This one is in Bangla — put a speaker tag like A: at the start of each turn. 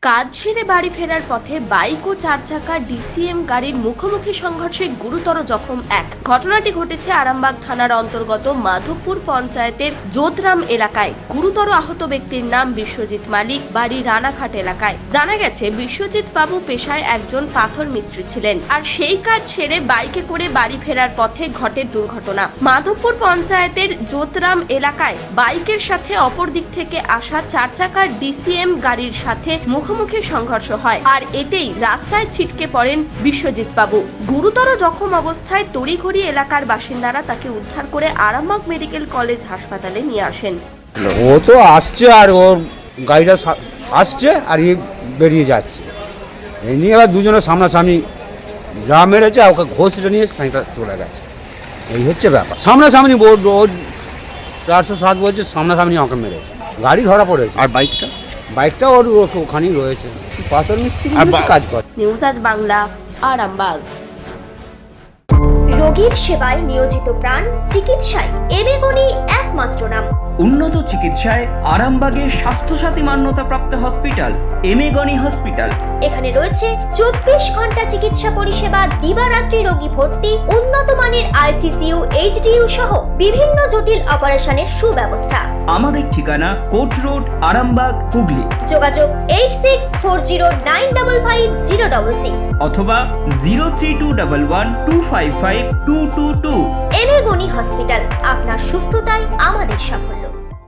A: কাজ ছেড়ে বাড়ি ফেরার পথে বাইক ও চার চাকা ডিসিএম গাড়ির মুখোমুখি সংঘর্ষে গুরুতর জখম এক। ঘটনাটি ঘটেছে আরামবাগ থানার অন্তর্গত মাধবপুর পঞ্চায়েতের যোধরাম এলাকায়। গুরুতর আহত ব্যক্তির নাম বিশ্বজিৎ মালিক, বাড়ি রানাঘাট এলাকায়। জানা গেছে বিশ্বজিৎ বাবু পেশায় একজন পাথর মিস্ত্রি ছিলেন, আর সেই কাজ ছেড়ে বাইকে করে বাড়ি ফেরার পথে ঘটে দুর্ঘটনা। মাধবপুর পঞ্চায়েতের যোধরাম এলাকায় বাইকের সাথে অপর দিক থেকে আসা চার চাকার ডিসিএম গাড়ির সাথে মুখোমুখি সংঘর্ষ হয়, আর এতেই রাস্তায় ছিটকে পড়েন বিশ্বজিৎ বাবু। গুরুতর জখম অবস্থায় তড়িঘড়ি এলাকার বাসিন্দারা তাকে উদ্ধার করে আরামবাগ মেডিকেল কলেজ হাসপাতালে নিয়ে আসেন।
B: ও তো আসছে আর ওর গাড়িটা আসছে আর ই বেরিয়ে যাচ্ছে, এই নিয়ে আবার দুজনের সামনাসামনি যা মেরেছে ওকে ঘষে নিয়ে খানিকটা চলে গেছে। এই হচ্ছে ব্যাপার, সামনাসামনি ওর 407 বলছে সামনাসামনি আমাকে মেরেছে, গাড়ি ধরা পড়েছে।
C: আর বাইকটা
B: ওর ওখানেই রয়েছে, পাথর মিস্ত্রি কাজ করে।
A: নিউজ আজ বাংলা, আরামবাগ।
D: রোগীর সেবায় নিয়োজিত প্রাণ, চিকিৎসায় এবেগুনি একমাত্র নাম।
E: উন্নত চিকিৎসায় আরামবাগে স্বাস্থ্যসাথী মান্যতাপ্রাপ্ত হসপিটাল এমেগনি হসপিটাল।
D: এখানে রয়েছে 24 ঘন্টা চিকিৎসা পরিষেবা, দিবারাত্রি রোগী ভর্তি, উন্নত মানের আইসিইউ, এইচডিইউ সহ বিভিন্ন জটিল অপারেশনের সুব্যবস্থা।
E: আমাদের ঠিকানা কোট রোড, আরামবাগ, হুগলি।
D: যোগাযোগ 8640955066
E: অথবা 032112552222।
D: এবেগুনি হসপিটাল, আপনার সুস্থতায় আমাদের সাফল্য।